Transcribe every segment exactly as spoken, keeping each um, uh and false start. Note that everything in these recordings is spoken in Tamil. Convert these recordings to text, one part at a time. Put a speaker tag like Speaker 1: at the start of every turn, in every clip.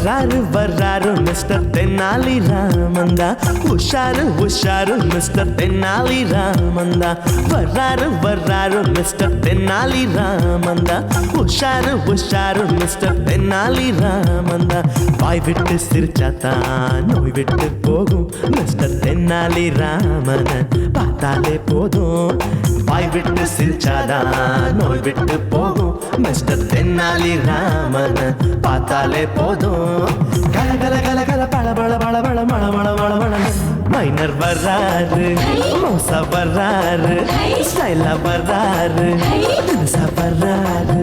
Speaker 1: வர்றாரு வர்றாரு மிஸ்டர் தென்னாலி ராமந்தா, உஷாரு உஷாரு மிஸ்டர் தென்னாலி ராமந்தா. வர்றாரு வர்றாரு மிஸ்டர் தென்னாலி ராமந்தா, உஷாரு உஷாரு மிஸ்டர் தென்னாலி ராமந்தா. வாய் விட்டு சிரிச்சாத்தான் நோய் விட்டு போகும் மிஸ்டர் தென்னாலி ராமன பார்த்தாலே போதும். வாய் விட்டு சிரிச்சாதான் நோய் விட்டு போகும் மிஸ்டர் தென்னாலி ராமன பார்த்தாலே போதும். கல கல கல கல பழ பழ பழ பழ மழ மழ மழ மழ. மைனர் வர்றாரு, மோசா வர்றாரு, ஸ்டைலா வர்றாரு, தினுசா வர்றாரு.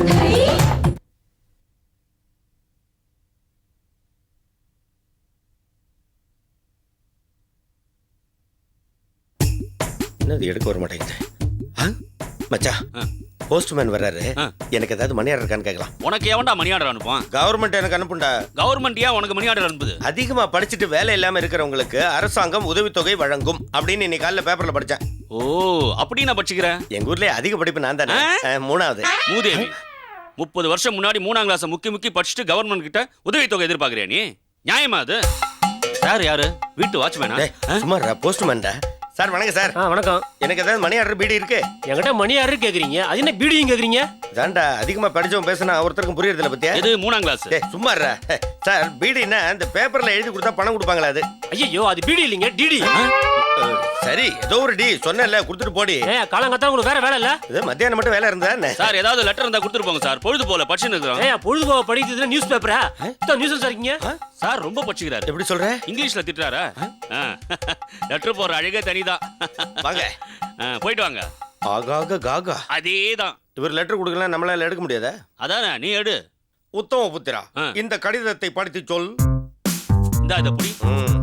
Speaker 2: என்னது எடுக்க வர மாட்டேங்குது? மச்சா, போஸ்ட்மேன் வர்றாரு. எனக்கு ஏதாவது மணி ஆர்டர் இருக்கான்னு கேட்கலாம்.
Speaker 3: உனக்கு எவன்டா மணி ஆர்டர் அனுப்புவான்?
Speaker 2: கவர்மெண்ட் எனக்கு அனுப்புண்டா.
Speaker 3: கவர்மெண்ட் ஏன் உனக்கு மணி ஆர்டர் அனுப்புது?
Speaker 2: அதிகமா படிச்சுட்டு வேலை இல்லாம இருக்கிறவங்களுக்கு அரசாங்கம் உதவித்தொகை வழங்கும் அப்படின்னு இன்னைக்கு காலைல பேப்பர்ல படிச்சேன்.
Speaker 3: ஓ, அப்படி நான் படிச்சுக்கிறேன்.
Speaker 2: எங்க ஊர்லயே அதிக படிப்பு நான் தானே, மூணாவது.
Speaker 3: மூதேவி, முப்பது வருஷம் முன்னாடி மூணாம் கிளாஸ் முக்கி முக்கி படிச்சுட்டு கவர்மெண்ட் கிட்ட உதவித்தொகை எதிர்பார்க்கறியா நீ? நியாயமா அது? சார் யாரு? வீட்டு வாட்ச்மேனா?
Speaker 2: சும்மா போஸ்ட்மேன்டா. சார் வணக்கம் சார்.
Speaker 4: வணக்கம்.
Speaker 2: எனக்கு ஏதாவது மணி ஆர்டர் பீடி இருக்கு?
Speaker 4: என்கிட்ட மணி ஆர்டர் கேக்குறீங்க, அது என்ன பீடியும் கேக்குறீங்க?
Speaker 2: தாண்டா அதிகமா படிச்சவன் பேசினா ஒருத்தருக்கும் புரியறதில்ல பத்தியா?
Speaker 3: இது மூணாம் கிளாஸ்.
Speaker 2: சும்மா சார், பீடினா இந்த பேப்பர்ல எழுதி கொடுத்தா பணம் கொடுப்பாங்களா? அது
Speaker 4: ஐயோ, அது பீடி இல்லைங்க, டிடி.
Speaker 2: சரி, ஏதோ ஒரு டி சொன்னல, கொடுத்துட்டு போடி.
Speaker 4: காலங்கத்தா உங்களுக்கு வேற வேலை இல்ல?
Speaker 2: இது மத்தியானம் மட்டும் வேலை இருந்தா
Speaker 3: சார், ஏதாவது லெட்டர் இருந்தா கொடுத்துட்டு போங்க சார். பொழுது போல படிச்சுன்னு இருக்கோம்.
Speaker 4: ஏய், பொழுது போல படிக்கிறதுல நியூஸ் பேப்பரா? இந்த நியூஸ் இருக்கீங்க
Speaker 3: சார். ரொம்ப படிச்சுக்கிறாரு.
Speaker 2: எப்படி சொல்ற?
Speaker 3: இங்கிலீஷ்ல திட்டுறாரா? லெட்டர் போற அழகே தனிதான்.
Speaker 2: வாங்க,
Speaker 3: போயிட்டு வாங்க.
Speaker 2: ஆகாக காகா
Speaker 3: அதேதான்.
Speaker 2: இவர் லெட்டர் கொடுக்கலாம், நம்மளால எடுக்க முடியாதா?
Speaker 3: அதானே, நீ எடு.
Speaker 2: உத்தம புத்திரா, இந்த கடிதத்தை படித்து சொல்.
Speaker 3: இந்த இத புடி.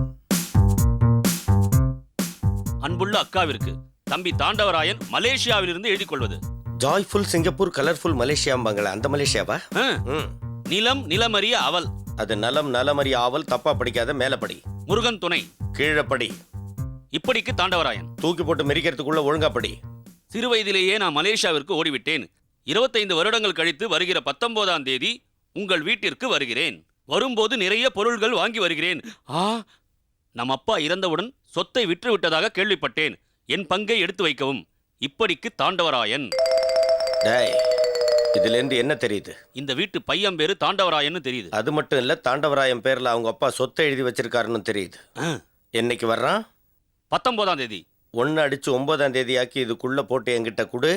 Speaker 3: அன்புள்ள அக்காவிற்கு தம்பி தாண்டவராயன் மலேசியாவில் இருந்து எழுதி கொள்வது.
Speaker 2: ஜாய்ஃபுல் சிங்கப்பூர், கலர்ஃபுல் மலேசியாம்பாங்களா, அந்த மலேசியாவா?
Speaker 3: நிலம் நிலமறிய அவல்.
Speaker 2: அது நலம் நலமறிய ஆவல். தப்பா படிக்காத, மேலப்படி.
Speaker 3: முருகன் துணை.
Speaker 2: கீழப்படி.
Speaker 3: இப்படிக்கு தாண்டவராயன்.
Speaker 2: தூக்கி போட்டு மெரிக்கிறதுக்குள்ள ஒழுங்கா படி.
Speaker 3: சிறு வயதிலேயே நான் மலேசியாவிற்கு ஓடிவிட்டேன். இருபத்தைந்து வருடங்கள் கழித்து வருகிற பத்தொன்பதாம் தேதி உங்கள் வீட்டிற்கு வருகிறேன். வரும்போது நிறைய பொருள்கள் வாங்கி வருகிறேன். ஆ, நம் அப்பா இறந்தவுடன் சொத்தை விற்று விட்டதாக கேள்விப்பட்டேன். என் பங்கை எடுத்து வைக்கவும். இப்படிக்கு தாண்டவராயன்.
Speaker 2: டேய், இதுல இருந்து என்ன தெரியுது?
Speaker 3: இந்த வீட்டு பையன் பேரு தாண்டவராயன்னு தெரியுது.
Speaker 2: அது மட்டும் இல்ல, தாண்டவராயன் பேர்ல அவங்க அப்பா சொத்தை எழுதி வச்சிருக்காருன்னு தெரியுது. என்னைக்கு வர்றான்?
Speaker 3: பத்தொன்பதாம் தேதி.
Speaker 2: ஒன்னு அடிச்சு ஒன்பதாம் தேதி ஆக்கி இதுக்குள்ள போட்டு என்கிட்ட குடு.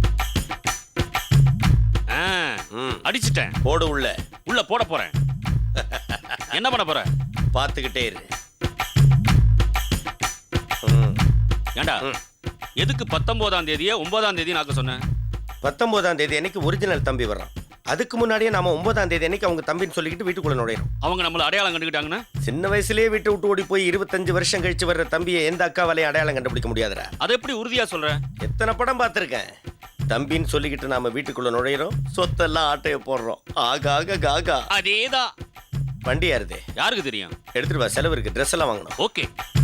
Speaker 3: அடிச்சிட்டேன்.
Speaker 2: போடு உள்ள.
Speaker 3: உள்ள போட போறேன். என்ன பண்ண போற?
Speaker 2: பாத்துக்கிட்டே இரு.
Speaker 3: ஏண்டா, எதுக்கு பத்தொன்பதாம் தேதியே ஒன்பதாம் தேதி நாக்க சொன்னேன்?
Speaker 2: பத்தொன்பதாம் தேதி அன்னைக்கு ஒரிஜினல் தம்பி வர்றான். அதுக்கு முன்னாடியே நாம ஒன்பதாம் தேதி அன்னைக்கு அவங்க தம்பின்னு சொல்லிக்கிட்டு வீட்டுக்குள்ள நுழையிறோம்.
Speaker 3: அவங்க நம்மள அடையாளம் கண்டுக்கிட்டாங்கன்னா?
Speaker 2: சின்ன வயசுலயே வீட்டை விட்டு ஓடி போய் இருபத்தஞ்சு வருஷம் கழிச்சு வர்ற தம்பியை எந்த அக்காவாலையும் அடையாளம் கண்டுபிடிக்க முடியாதுடா.
Speaker 3: அதை எப்படி உறுதியா சொல்ற?
Speaker 2: எத்தனை படம் பார்த்திருக்கேன். தம்பின்னு சொல்லிக்கிட்டு நாம வீட்டுக்குள்ள நுழையிறோம், சொத்தெல்லாம் ஆட்டைய போடுறோம். ஆகாக காகா.
Speaker 3: அதேதான்.
Speaker 2: வண்டி யாருது?
Speaker 3: யாருக்கு தெரியும்?
Speaker 2: எடுத்துட்டு வா, செலவு இருக்கு, ட்ரெஸ் எல்லாம் வாங்கணும்.
Speaker 3: ஓகே.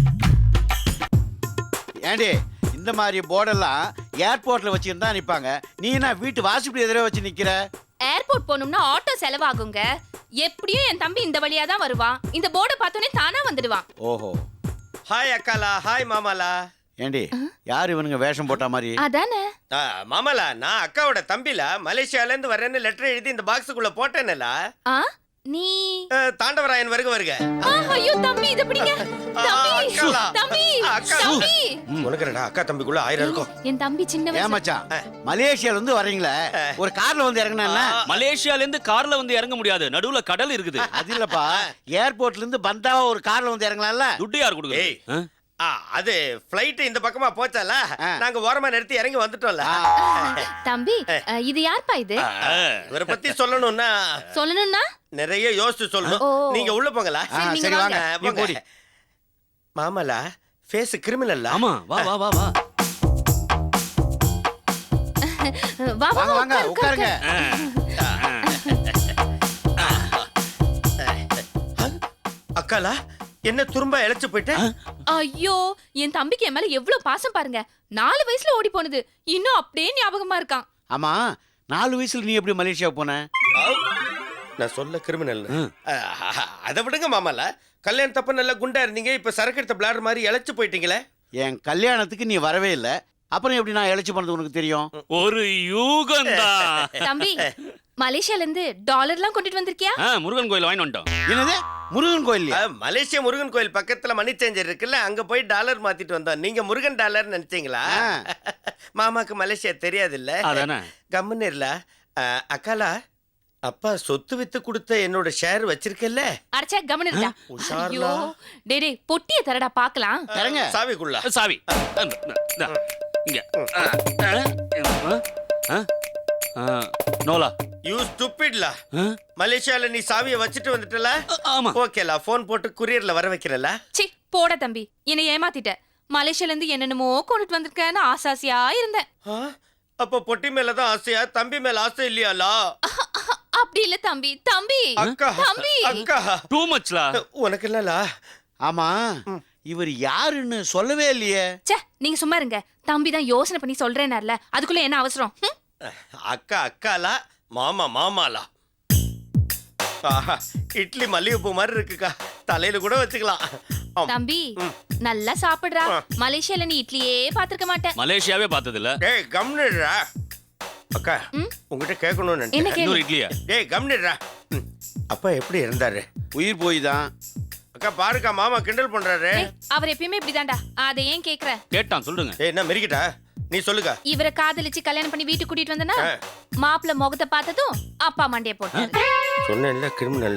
Speaker 5: ஏண்டி, இந்த மாதிரி போர்டெல்லாம் ஏர்போர்ட்ல வச்சிருந்தா நிப்பாங்க, நீ என்ன வீட்டு வாசப்படி எதிரே வச்சு நிக்கிற?
Speaker 6: ஏர்போர்ட் போகணும்னா ஆட்டோ செலவாகுங்க. எப்படியும் என் தம்பி இந்த வழியா தான் வருவான். இந்த போர்டை பார்த்தோன்னே தானா வந்துடுவான்.
Speaker 5: ஓஹோ.
Speaker 2: ஹாய் அக்காலா, ஹாய் மாமாலா.
Speaker 5: ஏண்டி, யார் இவனுங்க வேஷம் போட்ட மாதிரி?
Speaker 6: அதானே
Speaker 2: மாமாலா, நான் அக்காவோட தம்பில மலேசியால இருந்து வரேன்னு லெட்டர் எழுதி இந்த பாக்ஸுக்குள்ள போட்டேன்ல.
Speaker 6: நீ
Speaker 2: தாண்டவராயன் வருக வருக.
Speaker 6: ஐயோ தம்பி, இது பிடிங்க. தம்பி தம்பி தம்பி.
Speaker 2: உனக்கு என்னடா அக்கா தம்பிக்குள்ள ஆயிரம் இருக்கும்.
Speaker 6: என் தம்பி சின்ன வயசு.
Speaker 5: ஏன் மச்சான், மலேசியால இருந்து வரீங்களே, ஒரு கார்ல வந்து இறங்குனா?
Speaker 3: மலேசியால இருந்து கார்ல வந்து இறங்க முடியாது, நடுவுல கடல் இருக்குது.
Speaker 5: அது இல்லப்பா, ஏர்போர்ட்ல இருந்து பந்தாவா ஒரு கார்ல வந்து இறங்கலாம்ல.
Speaker 3: துட்டு யார் கொடுக்குது?
Speaker 2: அது ஃளைட் இந்த பக்கமா போச்சால, நாங்க ஓரமா நிறுத்தி இறங்கி வந்துட்டோம்ல.
Speaker 6: தம்பி, இது யார்ப்பா இது?
Speaker 2: இவரை பத்தி சொல்லணும்னா
Speaker 6: சொல்லணும்னா
Speaker 2: நிறைய யோசிச்சு சொல்லணும். நீங்க உள்ள போங்களா?
Speaker 5: சரி வாங்க, நீ போடி.
Speaker 2: மாமலா, ஃபேஸ் கிரிமினல்.
Speaker 3: ஆமா, வா வா வா வா.
Speaker 6: வா வா
Speaker 5: வாங்க, உட்காருங்க.
Speaker 2: அக்காலா, என்ன துரும்பா இழைச்சு போயிட்ட?
Speaker 6: ஐயோ, என் தம்பிக்கு என் மேல எவ்வளவு பாசம் பாருங்க. நாலு வயசுல ஓடி போனது இன்னும் அப்படியே ஞாபகமா இருக்கான்.
Speaker 5: ஆமா, நாலு வயசுல நீ எப்படி மலேசியா போன?
Speaker 2: நான் சொல்ல கிரிமினல்
Speaker 3: ம்.
Speaker 2: அதை விடுங்க மாமால கல்யாணத்தப்ப நல்லா குண்டா இருந்தீங்க இப்ப சரக்கு எடுத்த பிளார் மாதிரி இழைச்சு போயிட்டீங்களே.
Speaker 5: என் கல்யாணத்துக்கு நீ வரவே இல்லை, அப்புறம் எப்படி நான் இழைச்சி பண்ணது உனக்கு தெரியும்?
Speaker 3: ஒரு யூகம்தான்.
Speaker 6: தம்பி மலேசியால இருந்து டாலர்லாம் கொண்டுட்டு வந்திருக்கியா?
Speaker 3: ஆ, முருகன் கோயில் வாங்கி வந்துட்டோம்.
Speaker 5: என்னது முருகன் கோயில்?
Speaker 2: அஹ், மலேசியா முருகன் கோயில் பக்கத்துல மணி சேஞ்சர் இருக்குல்ல, அங்க போய் டாலர் மாத்திட்டு வந்தோம். நீங்க முருகன் டாலர் நினைச்சீங்களா? மாமாக்கு மலேசியா தெரியாது இல்ல.
Speaker 3: அதானே.
Speaker 2: கம்முன்னு இல்ல. அஹ், அக்காலா அப்பா சொத்து வித்து கொடுத்த என்னோட ஷேர் வச்சிருக்கல.
Speaker 6: அடச்சே கமன் இருக்கா?
Speaker 2: உஷார்லா.
Speaker 6: ஐயோ டேய் டேய் பொட்டிய தரடா பார்க்கலாம்.
Speaker 5: தரங்க.
Speaker 2: சாவிக்குள்ள
Speaker 3: சாவி இந்தா, இங்க. ஆ, ஆ, ஆ, ஆ, நோலா.
Speaker 2: யூ ஸ்டூபிட்லா.
Speaker 3: ஆ?
Speaker 2: மலேசியால நீ சாவியை வச்சுட்டு வந்துட்டல.
Speaker 3: ஆமா.
Speaker 2: ஓகேலா, போன் போட்டு குரியர்ல வர வைக்கிறல.
Speaker 6: சி போட தம்பி, என்னை ஏமாத்திட்ட. மலேசியால இருந்து என்னென்னமோ கொண்டுட்டு வந்திருக்கேன்னு ஆசாசியா இருந்தேன்.
Speaker 2: அப்ப பொட்டி மேல தான் ஆசையா, தம்பி மேல ஆசை இல்லையாலா?
Speaker 6: அப்படி இல்ல தம்பி, தம்பி
Speaker 2: அக்கா
Speaker 6: தம்பி.
Speaker 2: அக்கா
Speaker 3: டூ மச்லா.
Speaker 2: உனக்கு இல்லலா.
Speaker 5: ஆமா, இவர் யாருன்னு சொல்லவே இல்லையே.
Speaker 6: ச்சே நீங்க சும்மா இருங்க. தம்பி தான் யோசனை பண்ணி சொல்றேனார்ல, அதுக்குள்ள என்ன அவசரம்? ஹம்?
Speaker 2: அக்கா அக்காலா, மாமா மாமாலா. ஆஹா, இட்லி மல்லிகைப்பூ மாதிரி இருக்குக்கா, தலையில கூட வச்சுக்கலாம். ஆம்.
Speaker 6: தம்பி நல்லா சாப்பிடுறா. மலேசியால நீ இட்லியே பாத்துக்க மாட்டேன்.
Speaker 3: மலேசியாவே பார்த்தது இல்ல.
Speaker 2: டேய் கம்னிடுறா. அக்கா
Speaker 6: ம்?
Speaker 2: உங்ககிட்ட கேட்கணும்னு
Speaker 6: என்ன
Speaker 2: நினைச்சேன்.
Speaker 6: கேளு?
Speaker 3: இன்னொரு இட்லியா?
Speaker 2: டேய் கம்னிடுறா. ம். அப்பா எப்படி இருந்தாரு?
Speaker 5: உயிர் போய் தான்.
Speaker 2: அக்கா பாருக்கா, மாமா கிண்டல் பண்றாரு.
Speaker 6: ஏய், அவர் எப்பயுமே இப்படிதான்டா. அதை ஏன் கேக்குற?
Speaker 3: கேட்டான், சொல்லுங்க.
Speaker 2: ஏய் என்ன மெரிக்கிட்டா? நீ சொல்லுக்கா.
Speaker 6: இவரை காதலிச்சு கல்யாணம் பண்ணி வீட்டுக்கு கூட்டிட்டு வந்தனா
Speaker 2: ஆ.
Speaker 6: மாப்பிள்ள முகத்தை பார்த்ததும் அப்பா மண்டைய போட்டாரு.
Speaker 2: சொன்னேன்ல கிரிமினல்.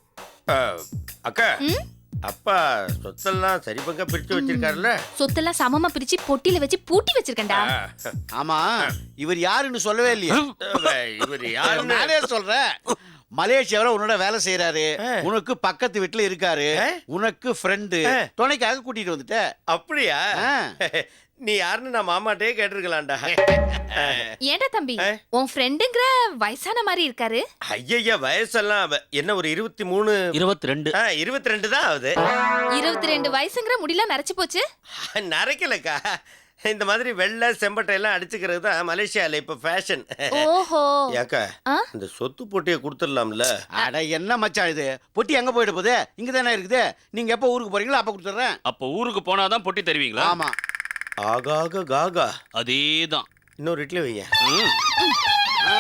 Speaker 2: அக்கா
Speaker 6: ம்?
Speaker 2: அப்பா சொத்தெல்லாம் சரி பங்கா பிரிச்சு வச்சிருக்காருல்ல.
Speaker 6: சொத்தெல்லாம் சமமா பிரிச்சு பொட்டில வச்சு பூட்டி வச்சிருக்கேன்டா.
Speaker 2: ஆ.
Speaker 5: ஆமா, இவர் யாருன்னு சொல்லவே இல்லையே.
Speaker 2: அஹ், இவர் யாருன்னு
Speaker 5: நானே சொல்றேன். மலேசியாவில் உன்னோட வேலை செய்யறாரு,
Speaker 2: ஆ.
Speaker 5: உனக்கு பக்கத்து வீட்டுல இருக்காரு,
Speaker 2: ஆ.
Speaker 5: உனக்கு ஃப்ரெண்டு,
Speaker 2: ஆ.
Speaker 5: துணைக்காக கூட்டிட்டு வந்துட்ட.
Speaker 2: அப்படியா?
Speaker 5: ஆ.
Speaker 2: நீ யாருன்னு நான் மாமாட்டே கேட்டிருக்கலாம்டா.
Speaker 6: ஏன்டா தம்பி,
Speaker 2: ஆ.
Speaker 6: உன் ஃப்ரெண்டுங்கிற வயசான மாதிரி இருக்காரு.
Speaker 2: ஐயா வயசெல்லாம் அவ- என்ன ஒரு இருபத்தி மூணு
Speaker 3: இருபத்தி ரெண்டு.
Speaker 2: இருபத்தி ரெண்டு தான் ஆகுது.
Speaker 6: இருபத்தி ரெண்டு வயசுங்கிற முடியெல்லாம் நரைச்சு போச்சு.
Speaker 2: நரைக்கலக்கா, இந்த மாதிரி வெள்ளை செம்பட்டை எல்லாம் அடிச்சுக்கிறது தான் மலேசியால இப்ப ஃபேஷன்.
Speaker 6: ஓஹோ.
Speaker 2: ஏக்கா
Speaker 6: ஆ?
Speaker 2: இந்த சொத்து போட்டியை கொடுத்துடலாம்ல.
Speaker 5: அட என்ன மச்சான் இது, பொட்டி எங்க போயிட போகுது? இங்க தானே இருக்குது. நீங்க எப்ப ஊருக்கு போறீங்களோ அப்ப கொடுத்துட்றேன்.
Speaker 3: அப்ப ஊருக்கு போனாதான் பொட்டி தருவீங்களா?
Speaker 5: ஆமா.
Speaker 2: ஆகாக காகா.
Speaker 3: அதேதான்.
Speaker 2: இன்னொரு இட்லி வைங்க.
Speaker 3: ம்.
Speaker 5: ஆ.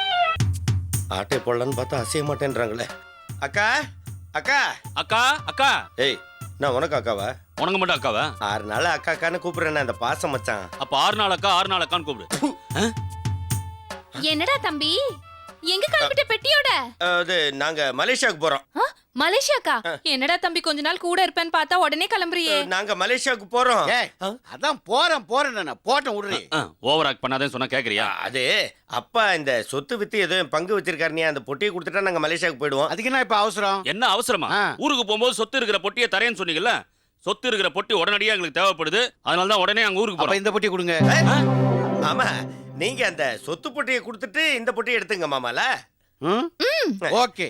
Speaker 2: ஆட்டை போடலான்னு பார்த்தா அசைய மாட்டேன்றாங்களே. அக்கா அக்கா.
Speaker 3: அக்கா அக்கா.
Speaker 2: ஏய் நான் உனக்கு அக்காவா?
Speaker 3: உனக்கு மட்டும் அக்காவா?
Speaker 2: ஆறு நாள் அக்கா அக்கான்னு கூப்பிடுறேன் அந்த பாசம் மச்சான்.
Speaker 3: அப்ப ஆறு நாள் அக்கா, ஆறு நாள் அக்கான்னு கூப்பிடு. ஆ?
Speaker 6: என்னடா தம்பி, எங்க கிளம்பிட்ட பெட்டியோட?
Speaker 2: அது நாங்க மலேசியாவுக்கு போறோம்.
Speaker 6: ஆ, மலேசியாக்கா? என்னடா தம்பி கொஞ்ச நாள் கூட இருப்பேன்னு பார்த்தா உடனே கிளம்புறியே.
Speaker 2: நாங்க மலேசியாவுக்கு போறோம்.
Speaker 5: ஏய், அதான் போறேன் போறேன் நான் போட்டேன் விடுறி.
Speaker 3: ஆ, ஓவர் ஆக்ட் பண்ணாதேன்னு சொன்னா கேக்குறியா?
Speaker 2: அது அப்பா இந்த சொத்து வித்து ஏதோ பங்கு வச்சிருக்காரு, நீ அந்த பொட்டியை கொடுத்துட்டா நாங்க மலேசியாவுக்கு போயிடுவோம்.
Speaker 5: அதுக்கு என்ன இப்ப அவசரம்?
Speaker 3: என்ன அவசரமா?
Speaker 5: ஆ.
Speaker 3: ஊருக்கு போகும்போது சொத்து இருக்கிற பொட்டியை தரேன்னு சொன்னீங்கல்ல. சொத்து இருக்கிற பொட்டி உடனடியா எங்களுக்கு தேவைப்படுது. அதனால தான் உடனே அங்க ஊருக்கு
Speaker 5: அப்ப
Speaker 3: போறோம்.
Speaker 5: இந்த பொட்டி கொடுங்க.
Speaker 2: ஆமா, நீங்க அந்த சொத்து பொட்டியை கொடுத்துட்டு இந்த பொட்டியை எடுத்துங்க மாமால.
Speaker 5: ம்? ஓகே.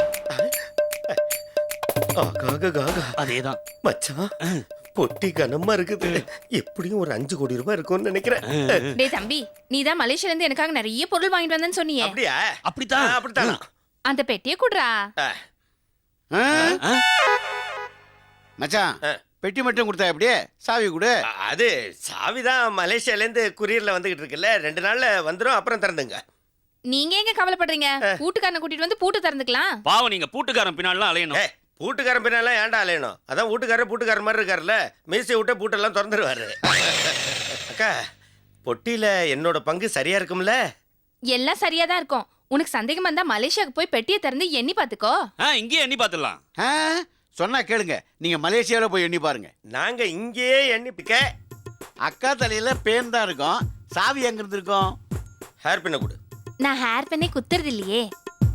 Speaker 2: ஆகாக காகா.
Speaker 3: அதேதான்.
Speaker 2: மச்சான் பொட்டி கனமா இருக்குது. எப்படியும் ஒரு அஞ்சு கோடி ரூபாய் இருக்கும்னு நினைக்கிறேன்.
Speaker 6: டேய் தம்பி, நீ தான் மலேசியால இருந்து எனக்காக நிறைய பொருள் வாங்கிட்டு வந்தேன்னு சொன்னியே.
Speaker 2: அப்படியா?
Speaker 3: அப்படித்தான்.
Speaker 2: ஆ, அப்படித்தான்.
Speaker 6: அந்த பெட்டியை குடுறா.
Speaker 2: ஆ.
Speaker 5: ஆ?
Speaker 3: ஆ?
Speaker 5: மச்சான்,
Speaker 2: ஆ.
Speaker 5: பெட்டி மட்டும் கொடுத்தா எப்படியே? சாவி கொடு.
Speaker 2: அது சாவிதான் மலேசியால இருந்து குரியர்ல வந்துகிட்டு இருக்குல்ல, ரெண்டு நாள்ல வந்துரும், அப்புறம் திறந்துங்க.
Speaker 6: நீங்க எங்க கவலைப்படுறீங்க? பூட்டுக்காரனை கூட்டிட்டு வந்து பூட்டு திறந்துக்கலாம்.
Speaker 3: பாவம், நீங்க பூட்டுக்காரன் பின்னாலாம் அலையணும்.
Speaker 2: ஏ பூட்டுக்காரன் பின்னாலாம் ஏன்டா அலையணும்? அதான் வீட்டுக்காரர் பூட்டுக்காரர் மாதிரி இருக்காருல்ல, மீசை விட்டு பூட்டெல்லாம் திறந்துருவாரு. அக்கா பொட்டியில என்னோட பங்கு சரியா இருக்கும்ல?
Speaker 6: எல்லாம் சரியா தான் இருக்கும். உனக்கு சந்தேகமா இருந்தா மலேசியாவுக்கு போய் பெட்டியை திறந்து எண்ணி பாத்துக்கோ.
Speaker 3: ஆ, இங்கேயே எண்ணி பாத்துடலாம்.
Speaker 5: ஆ? சொன்னா கேளுங்க, நீங்க மலேசியாவில போய் எண்ணி பாருங்க.
Speaker 2: நாங்க இங்கேயே எண்ணி பிக்க.
Speaker 5: அக்கா தலையில பேன் தான் இருக்கும், சாவி எங்க இருந்து இருக்கும்?
Speaker 2: ஹேர் பின்ன கொடு.
Speaker 6: நான் ஹேர் பண்ணே குத்துறது இல்லையே.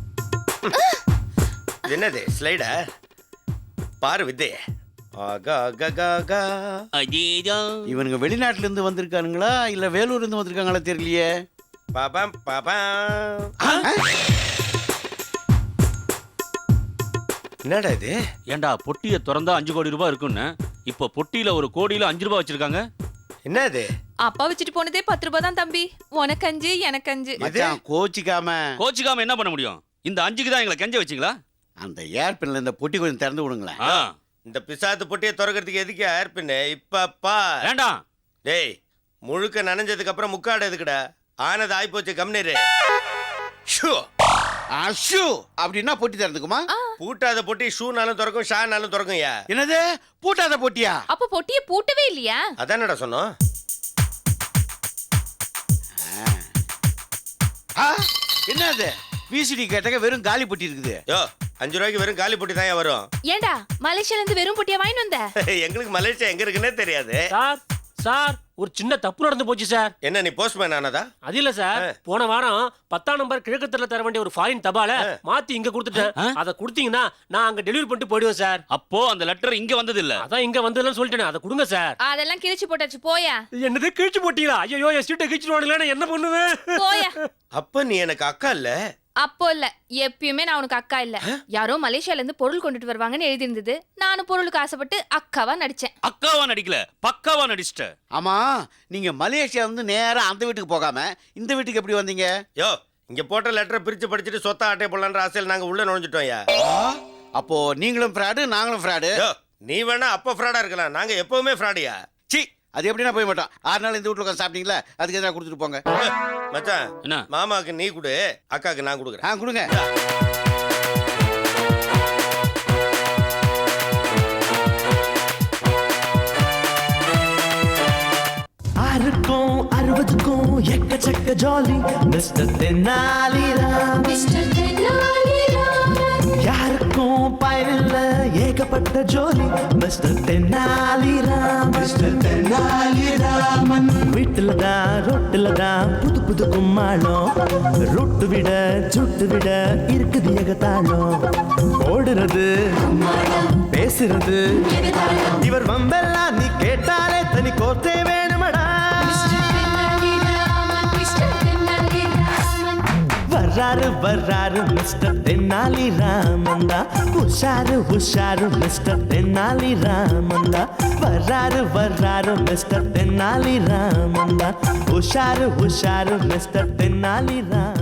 Speaker 2: இது என்னது ஸ்லைடா? பாரு வித்தே. ஆகா ஆகா ஆகா.
Speaker 3: அதேதான்.
Speaker 5: இவனுங்க வெளிநாட்டுல இருந்து வந்திருக்கானுங்களா இல்ல வேலூர்ல இருந்து வந்திருக்காங்களா தெரியலையே.
Speaker 2: பாபாம் பாபாம்.
Speaker 5: ஆ?
Speaker 2: என்னடா இது?
Speaker 3: ஏண்டா பொட்டியை திறந்தா அஞ்சு கோடி ரூபாய் இருக்குன்னு, இப்ப பொட்டியில ஒரு கோடியில அஞ்சு ரூபாய் வச்சிருக்காங்க.
Speaker 2: என்னது?
Speaker 6: அப்பா வச்சுட்டு போனதே பத்து ரூபாய் தான் தம்பி. உனக்கு அஞ்சு எனக்கு அஞ்சு.
Speaker 5: மச்சான் கோச்சிக்காம.
Speaker 3: கோச்சிக்காம என்ன பண்ண முடியும்? இந்த அஞ்சுக்கு தான் எங்களை கெஞ்ச வச்சிங்களா?
Speaker 5: அந்த ஏர்பின்ல இந்த பொட்டி கொஞ்சம் திறந்து விடுங்களேன்.
Speaker 3: ஆ,
Speaker 2: இந்த பிசாத்து பொட்டியை திறக்கிறதுக்கு எதுக்கு ஏற்பின்னு இப்பப்பா
Speaker 3: வேண்டாம்.
Speaker 2: டேய் முழுக்க நனைஞ்சதுக்கு அப்புறம் முக்காடு எதுக்குடா? ஆனது ஆயிப்போச்சு கம்னீரு. ஷூ
Speaker 5: அஷு அப்படின்னா பொட்டி திறந்துக்குமா?
Speaker 2: பூட்டாத பொட்டி ஷூனாலும் திறக்கும் ஷானாலும் திறக்கும்யா.
Speaker 5: என்னது பூட்டாத பொட்டியா?
Speaker 6: அப்ப பொட்டியை பூட்டவே இல்லையா?
Speaker 2: அதானடா சொன்னோம்.
Speaker 5: ஆ, என்னது விசிடி கேட்டக வெறும் காலி பொட்டி இருக்குது.
Speaker 2: யோ அஞ்சு ரூபாய்க்கு வெறும் காலி பொட்டி தான் வரும்.
Speaker 6: ஏண்டா மலேசியால இருந்து வெறும் பொட்டியா வாங்கிட்டு வந்த?
Speaker 2: எங்களுக்கு மலேசியா எங்க இருக்குன்னே தெரியாது.
Speaker 4: சார் சார் ஒரு சின்ன தப்பு நடந்து போச்சு சார்.
Speaker 2: என்ன நீ போஸ்ட்மேன் ஆனதா?
Speaker 4: அது இல்ல சார், போன வாரம் பத்தாம் நம்பர் கிழக்கு தெருல தர வேண்டிய ஒரு ஃபாரின் தபால மாத்தி இங்க கொடுத்துட்டேன். அதை கொடுத்தீங்கன்னா நான் அங்க டெலிவரி பண்ணிட்டு போயிடுவேன் சார்.
Speaker 3: அப்போ அந்த லெட்டர் இங்க வந்தது இல்ல.
Speaker 4: அதான் இங்க வந்ததுன்னு சொல்லிட்டேன். அதை கொடுங்க சார்.
Speaker 6: அதெல்லாம் கிழிச்சு போட்டாச்சு போயா.
Speaker 4: என்னது கிழிச்சு போட்டீங்களா? ஐயோ என் சீட்டை கிழிச்சுடுவானுங்களே, நான் என்ன பண்ணுவேன்?
Speaker 6: போயா.
Speaker 2: அப்ப நீ எனக்கு அக்கா இல்ல?
Speaker 6: அப்போ இல்ல, எப்பயுமே நான் உனக்கு அக்கா இல்ல. யாரோ மலேசியால இருந்து பொருள் கொண்டுட்டு வருவாங்கன்னு எழுதி இருந்தது. நானும் பொருளுக்கு ஆசைப்பட்டு அக்காவா நடிச்சேன்.
Speaker 3: அக்காவா நடிக்கல, பக்காவா நடிச்சிட்ட.
Speaker 5: ஆமா, நீங்க மலேசியா வந்து நேரா அந்த வீட்டுக்கு போகாம இந்த வீட்டுக்கு எப்படி வந்தீங்க?
Speaker 2: யோ இங்க போட்ட லெட்டரை பிரிச்சு படிச்சுட்டு சொத்தா ஆட்டை போடலான்ற ஆசையில் நாங்க உள்ள நுழைஞ்சிட்டோம்யா.
Speaker 5: அப்போ நீங்களும் ஃப்ராடு நாங்களும் ஃப்ராடு.
Speaker 2: யோ நீ வேணா அப்ப ஃப்ராடா இருக்கலாம், நாங்க எப்பவுமே ஃப்ராடியா.
Speaker 5: சி, அது எப்படின்னா போய் மாட்டோம். ஆறு நாள் இந்த வீட்டுல உட்காந்து சாப்பிட்டீங்களா, அதுக்கு எதாவது கொடுத்துட்டு போங்க.
Speaker 2: மச்சான்
Speaker 3: என்ன?
Speaker 2: மாமாக்கு நீ கொடு, அக்காக்கு நான் கொடுக்குறேன்.
Speaker 5: ஆ கொடுங்க.
Speaker 1: ஆறுக்கும் அறுபதுக்கும் எக்கச்சக்க ஜாலி மிஸ்டர் தென்னாலிராம். யாருக்கும் பயனில்ல ஏகப்பட்ட ஜோலி மிஸ்டர் தென்னாலிராம். மிஸ்டர் தென்னாலிராமன் வீட்டுல தான் ரொட்டுல தான் புது புது கும்மாளம். ரொட்டு விட சுட்டு விட இருக்குது ஏகத்தாளம். ஓடுறது பேசுறது இவர் வம்பெல்லாம் நீ கேட்டாலே தனி கோத்தே வேணுமடா. வர்றாரு வர்றாரு மிஸ்டர் தென்னாலி ராமந்தா. உஷாரு உஷாரு மிஸ்டர் தென்னாலி ராமந்தா. வர்றாரு வர்றாரு மிஸ்டர் தென்னாலி ராமந்தா. உஷாரு உஷாரு மிஸ்டர் தென்னாலி ராமந்தா.